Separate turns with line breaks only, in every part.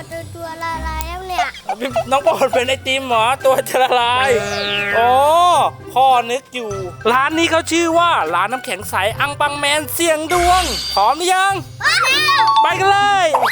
ตัวละลายแล้วเนี่ย
น้องโปรดเป็นไอติมเหรอตัวจะละลายอ๋อพ่อนึกอยู่ร้านนี้เขาชื่อว่าร้านน้ำแข็งใสอังปังแมนเสี่ยงดวงพร้อมหรือยังไปกันเลย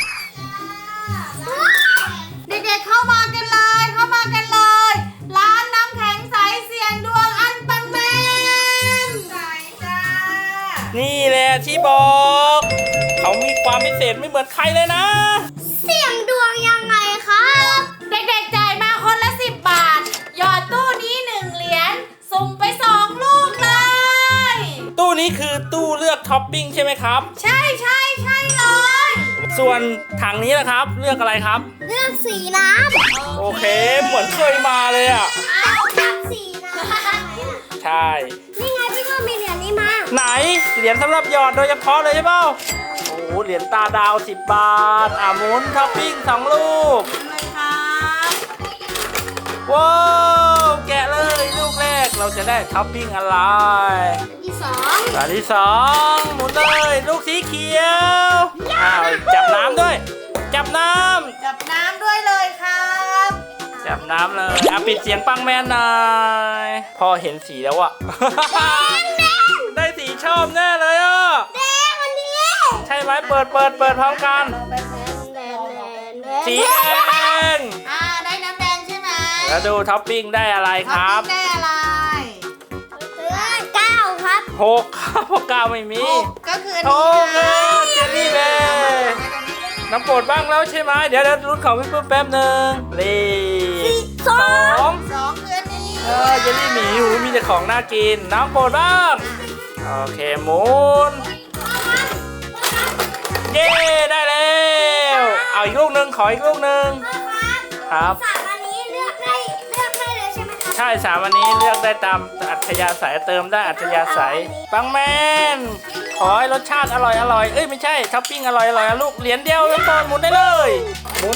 เด็กๆเข้ามากันเลยร้านน้ำแข็งใสเสียงดวงอันปังแมนไหนจ้า
นี่แหละที่บอกเขามีความพิเศษไม่เหมือนใครเลยนะ
เสี่ยงดวงยังไงครับ
เด็กๆจ่ายมาคนละ10 บาทหยอดตู้นี้1 เหรียญสุ่มไป2 ลูกเลย
ตู้นี้คือตู้เลือกท็อปปิ้งใช่ไหมครับ
ใช่เลย
ส่วนถังนี้นะครับเลือกอะไรครับ
เลือกสีน้ำ
โอเคเหมือนเคยมาเลยอ่ะ
เอาแบบสีน้ำ
ใช่
นี่ไงพี่ก็มีเหรียญนี้มา
ไหนเหรียญสำหรับหยอดโดยเฉพาะเลยใช่เปล่าโอ้โหเหรียญตาดาว10 บาทหมุนท็อปปิ้ง2 ลูก
เลยครับ
ว้าวแกะเลยลูกแรกเราจะได้ท็อปปิ้งอะไร
ที่สอง
อันที่2หมุนเลยลูกสีเขียวจับน้ำด้วย จับน้
จับน้ำด้วยเลยครับ
ำจับน้ำเลยปิดเสียงปังแมนหน่อยพอเห็นสีแล้วอะ ได้สีชอบแน่เลยอ่ะ
แดงอันนี้
ใช่ไหมเปิดพร้อมกัน สีแดง
ได้น้ำแดงใช่ไหม
แล้วดูท็อปปิ้งได้อะไรครับ
ท็อปปิ้งได้อะไร
เก้าครับ
6ครับเพราะ9ไม่มี
ก็คืออัน
โอ้
นี้
โหเจลลี่แบร์น้ำโปรดบ้างแล้วใช่ไหมเดี๋ยวรุ่นของพี่ปื้มแป๊บหนึ่ง
สอ
2
2คืออันนี้
เจลลี่หมีหูมีแต่ของน่ากินน้ำโปรดบ้างโอเคหมุนเย้ได้แล้วเอาอีกลูกหนึ่งขออีกลูกหนึ่งครับ
สามอันนี้เลือกได้เลยใช่ไหมครับ
ใช่3 วันนี้เลือกได้ตามอัธยาศัยเติมได้อัธยาศัยปังแมนขอให้รสชาติอร่อยเอ้ยไม่ใช่ท็อปปิ้งอร่อยลูกเหรียญเดียวน้ำโปรดหมุนได้เลยหมุน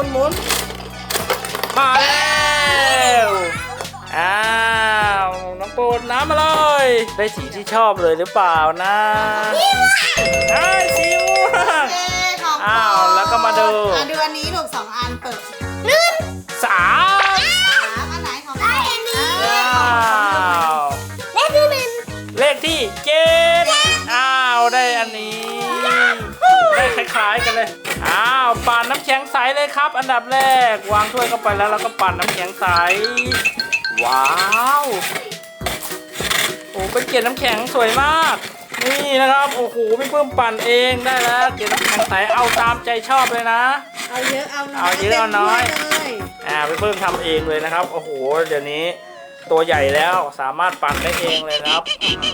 มาแล้วอ้าวน้ำโปรดน้ำมาเลยได้สีที่ชอบเลยหรือเปล่านะได้สีม่วง
ของ
อ้าวแล้วก็มาดู
ดูอันนี้ลูก2 อันเปิด
3
อันไหนของ
ได้อันนี้
อ้าว
เลขที่หนึ่ง
เลขที่7อ้าวได้อันนี้ได้คล้ายๆกันเลยอ้าวปั่นน้ำแข็งใสเลยครับ อันดับแรกวางถ้วยเข้าไปแล้วเราก็ปั่นน้ำแข็งใสว้าวโอ้เป็นเกล็ดน้ำแข็งสวยมากนี่นะครับโอ้โหพี่เพิ่มปั่นเองได้แล้วเกล็ดน้ำแข็งใสเอาตามใจชอบเลยนะ
เอาเยอะเอาน้อย
เอาเยอะเอาน้อย
ต็มถ้วเลย
พี่เพิ่มทำเองเลยนะครับโอ้โหเดี๋ยวนี้ตัวใหญ่แล้วสามารถปั่นได้เองเลยนะครับ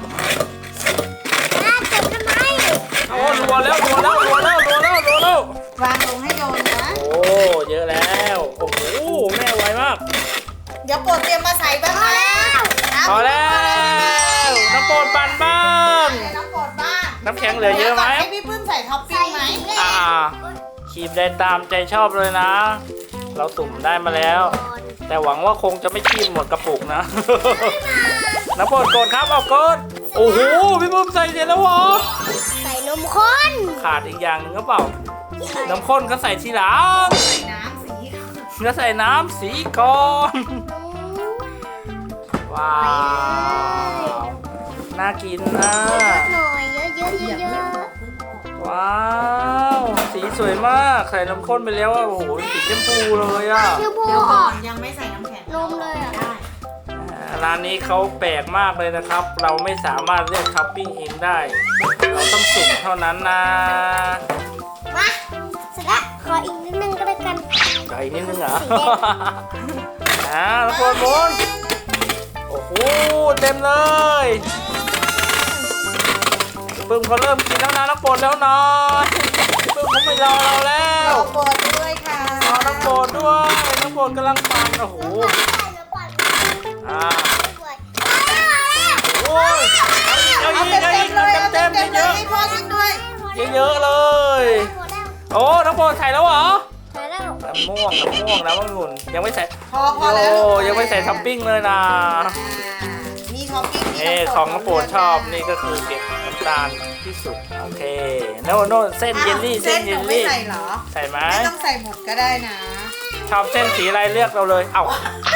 น่าจะทำไม
โอ้รัวแล้ว
วางลงให้โดนนะ
โอ้เยอะแล้วโอ้โหแม่ไวมาก
เดี๋ยวโปรดเตรียมมาใส่บ้างนะ
พอแล้วน้ำโปรดปั่นบ้าง
น้ำโปรดบ้าง
น้ำแข็งเหลือเยอะไหม
ให้พี่ปื้มใส่ท็อปปิ้งไหม
คีบได้ตามใจชอบเลยนะ เราสุ่มได้มาแล้ว แต่หวังว่าคงจะไม่คีบหมดกระปุกนะ น้ำโปรดกดครับเอากดโอ้โหพี่ปุ้มใส่เสร็จแล้วเหรอ
ใส่นมข้น
ขาดอีกอย่างหนึ่งก็เปล่าน้ำข้นก็ใส่ทีหลัง
ใส่น้ำสี
ก็ใส่น้ำสีก่อนว้าวน่ากินนะ
หน่อยเยอะ
ว้าวสีสวยมากใส่น้ำข้นไปแล้วอ่ะโอ้โหสีชมพูเลยอ่ะ
คือบั
เดี๋ยว
ว
ก่อนยังไม่ใส่น้ำแข็ง
นมเลยอ่ะ
ได้
ร้านนี้เขาแปลกมากเลยนะครับ เราไม่สามารถเลือกท็อปปิ้งเองได้ เราต้องสุ่มเท่านั้นนะ
มาเสร็จแล้วขออีกนิดนึงก็แล้วกัน
ไก่นิดนึงเหรอ
สีแดง
แล้วโมุนโอ้โหเต็มเลยปึ้มเขาเริ่มกินแล้วนะน้ำโปรดแล้วนะปึ้มเขาไม่รอเราแล้ว
โปรดด้วยค่ะ
รอน้ำโปรดด้วยน้ำโปรดกำลังปั่นโอ้โหโอ้ยเอาอีกเต็มเยอะ
ให้พ่อกินด้วย
เยอะเลยโอ้น้ำโปรดใส่แล้วเหรอ
ใส่แล้ว
น้ำม่วงน้ำองุ่นยังไม่ใส่
พอแล้ว
โอ้ยังไม่ใส่ท็อปปิ้งเลยนะ
มีท็อปปิ้ง
นี่ของน้ำโปรดชอบนี่ก็คือเก็บน้ำตาลที่สุดโอเคโน่เส้นเยลลี่
เส้นห
เย
นู
ล
ไม่
ลี่
ใส่เหรอ
ใส่ไหม
ไม่ต้องใส่หมดก็ได้นะ
ชอบเส้นสีอะไรเลือกเราเลยเอ้า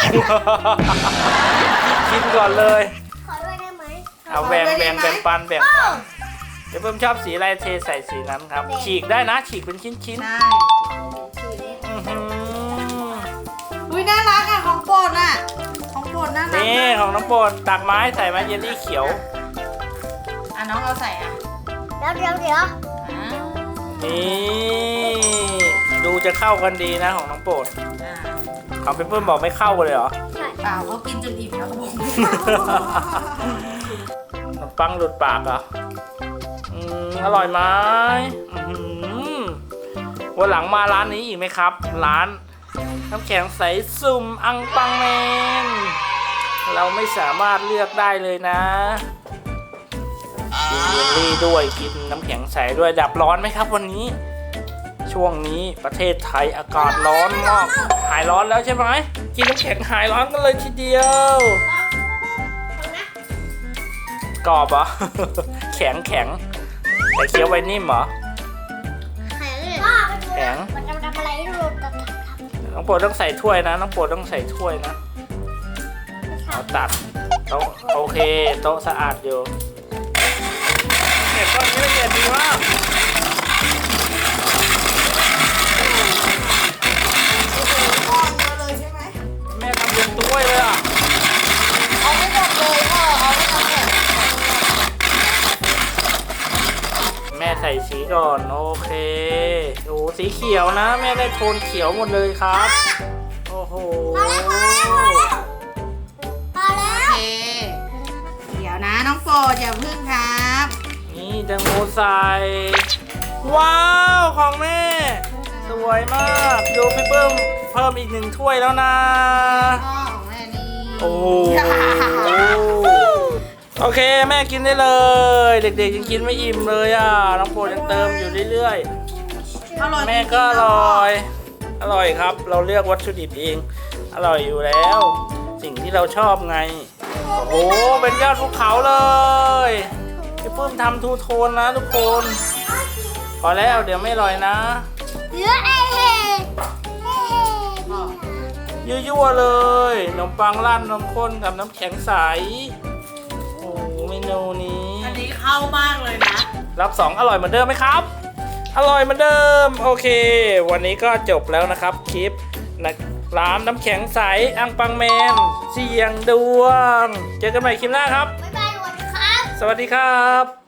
กินก่อนเลย
ขอด้วยได้ไหม
เอาแบ่งปันเดี๋ยวเพิ่มชอบสีอะไรเทใส่สีนั้นครับ ฉีกได้นะฉีกเป็นชิ้น
ใช่
ๆอื้อหือ
อุ้ยน่ารักอ่ะของโปรดอ่ะของโปรดน่ารัก
นี่ของน้องโปรดตักไม้ใส่มาเยลลี่เขียว
อ่ะน้องเอาใส่อ่ะ
เดี๋ยว
อ่า
นี่ดูจะเข้ากันดีนะของน้องโปรด
อ่า
ของเพิ่มบอกไม่เข้ากันเลยเหรอ
ใช่
เปล่าเขากินจนอิ่มแล้วครับผม
ขนมปังหลุดปากเหรออร่อยไหมอื้อหือวันหลังมาร้านนี้อีกไหมครับ ร้านน้ำแข็งใสสุ่มอังปังแมนเราไม่สามารถเลือกได้เลยนะกินเยลลี่ด้วยกินน้ำแข็งใสด้วยดับร้อนไหมครับวันนี้ ช่วงนี้ประเทศไทยอากาศร้อนมากหายร้อนแล้วใช่ไหมกินน้ำแข็งหายร้อนกันเลยทีเดียวกรอบเหรอ แข็งแต่เคี้ยวไว้นิ่มเหรอ แข็ง
มันจะทำอะไรให้ดู
น้องโปรดต้องใส่ถ้วยนะน้องโปรดต้องใส่ถ้วยนะเอาตักโต๊ะโอเคโต๊ะสะอาดอยู่เนี่ยก้อนนี้ละเอียดดีมาก
ก้อนเยอะเลยใช่ไหม
แม่ทำเป็นถ้วยเลยอ่ะ
เอาไม่หมดเลยพ่อเอาไม่หมดเลย
แม่ใส่สีก่อนโอเคโอ้สีเขียวนะแม่ได้โทนเขียวหมดเลยครับโอ้โห
พอแล้ว
โอเคเดี๋ยวนะน้องโปรดอย่าพึ่งครับ
นี่แตงโมใส่ว้าวของแม่ สวยมากดูพี่เพิ่มอีก1 ถ้วยแล้วนะ
พ่อของแม่นี่
โอ้โหโอเคแม่กินได้เลย เด็กๆยังกินไม่อิ่มเลยอ่ะน้องโปรดยังเติมอยู่เรื่อย
อร่อย
ๆแม่ก็อร่อยครับ เราเลือกวัตถุดิบเองอร่อยอยู่แล้ว สิ่งที่เราชอบไงโอ้โหเป็นยอดภูเขาเลยพี่ปื้มทำทูโทนนะทุกคนพอแล้วเดี๋ยวไม่อร่อยนะ
เหลือไอ้เห่
ยั่วๆเลยขนมปังราดนมข้นกับน้ำแข็งใสโอ้โหเมนูนี้
อันนี้เข้ามากเลยนะ
รับ2อร่อยเหมือนเดิมไหมครับ อร่อยเหมือนเดิมโอเค วันนี้ก็จบแล้วนะครับคลิปนะร้านน้ำแข็งใสอังปังแมนเสียงดวงเจอกันใหม่คลิปหน้าครับ
บ๊ายบายสวัสดีครับ
สวัสดีครับ